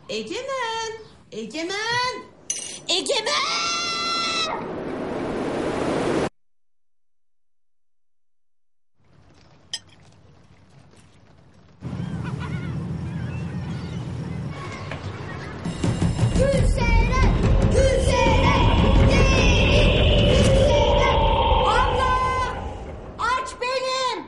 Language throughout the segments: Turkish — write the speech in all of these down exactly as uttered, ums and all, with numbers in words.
Egemen! Egemen! Egemen! Gülseren! Gülseren! Değil! Gülseren! Abla! Aç benim!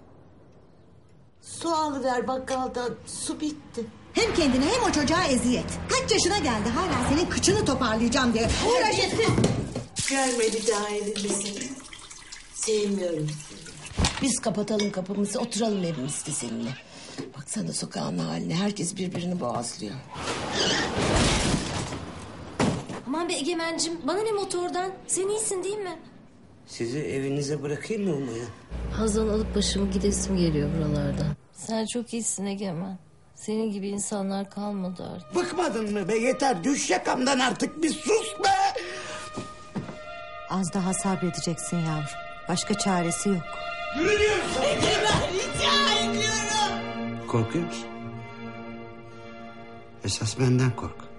Su alıver bakkaldan. Su bitti. Hem kendine hem o çocuğa eziyet. Kaç yaşına geldi hala senin kıçını toparlayacağım diye uğraşırsın. Görme bir daha elimizi. Sevmiyorum seni. Biz kapatalım kapımızı, oturalım evimizde seninle. Baksana sokağın haline, herkes birbirini boğazlıyor. Aman be Egemen'cim, bana ne motordan? Sen iyisin değil mi? Sizi evinize bırakayım mı Umaya? Hazal alıp başımı gidesim geliyor buralardan. Sen çok iyisin Egemen. Senin gibi insanlar kalmadı artık. Bıkmadın mı be, yeter, düş yakamdan artık, bir sus be! Az daha sabredeceksin yavrum. Başka çaresi yok. Yürü diyorum sana! Egemen rica ediyorum. Korkuyor musun? Esas benden kork.